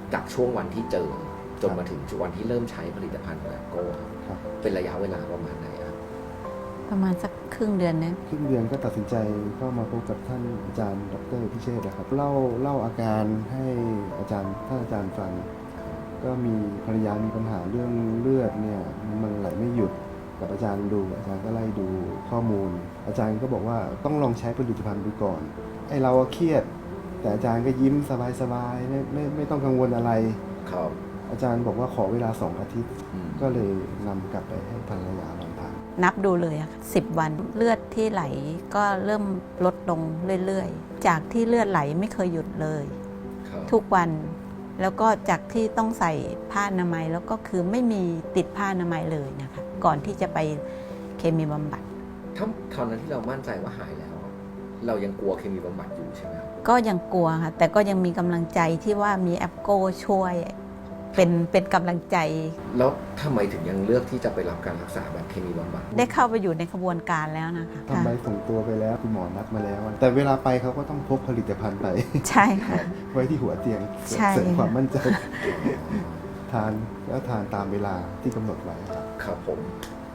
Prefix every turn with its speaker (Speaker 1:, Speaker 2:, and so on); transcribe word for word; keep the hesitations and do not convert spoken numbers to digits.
Speaker 1: จากช่วงวันที่เจอจนมาถึงวันที่เริ่มใช้ผลิตภัณฑ์ของแอปโก้เป็นระยะเวลาประมาณไหนครับ
Speaker 2: ประมาณสักครึ่งเดือนนะ
Speaker 3: ครึ่งเดือนก็ตัดสินใจเข้ามาพบกับท่านอาจารย์ดรพิเชษฐ์นะครับเล่าเล่าอาการให้อาจารย์ท่านอาจารย์ฟังก็มีภรรยามีปัญหาเรื่องเลือดเนี่ยมันไหลไม่หยุดกับอาจารย์ดูอาจารย์ก็ไล่ดูข้อมูล อาจารย์ก็บอกว่าต้องลองใช้ผลิตภัณฑ์ดูก่อนไอเราเครียดแต่อาจารย์ก็ยิ้มสบายๆไม่ไม่ไม่ต้องกังวลอะไร
Speaker 1: ครับ
Speaker 3: อาจารย์บอกว่าขอเวลาสองอาทิตย์
Speaker 1: อืม
Speaker 3: ก็เลยนำกลับไปให้ภรรยาลองทาน
Speaker 2: นับดูเลยอะค่ะสิบวันเลือดที่ไหลก็เริ่มลดลงเรื่อยๆ จากที่เลือดไหลไม่เคยหยุดเลย
Speaker 1: ครับ
Speaker 2: ทุกวันแล้วก็จากที่ต้องใส่ผ้าอนามัยแล้วก็คือไม่มีติดผ้าอนามัยเลยนะคะก่อนที่จะไปเคมีบำบัด
Speaker 1: ถ้าตอนนั้นที่เรามั่นใจว่าหายแล้ว เรายังกลัวเคมีบำบัดอยู่ใช่ไหมครับ
Speaker 2: ก็ยังกลัวค่ะแต่ก็ยังมีกำลังใจที่ว่ามีแอปโก้ช่วยเป็นเป็นกำลังใจ
Speaker 1: แล้วทำไมถึงยังเลือกที่จะไปรับการรักษาแบบเคมีบำบัด
Speaker 2: ได้เข้าไปอยู่ในขบวนการแล้วนะคะ
Speaker 3: ทำใบส่งตัวไปแล้วคุณหมอนัดมาแล้ว แต่เวลาไปเขาก็ต้องพกผลิตภัณฑ์ไป
Speaker 2: ใช่ค่ะ
Speaker 3: ไว้ที่หัวเตียง
Speaker 2: ใช่
Speaker 3: เสริมความมั่นใจ ทานแล้วทานตามเวลาที่กำหนดไว้ครับ
Speaker 1: ครับผม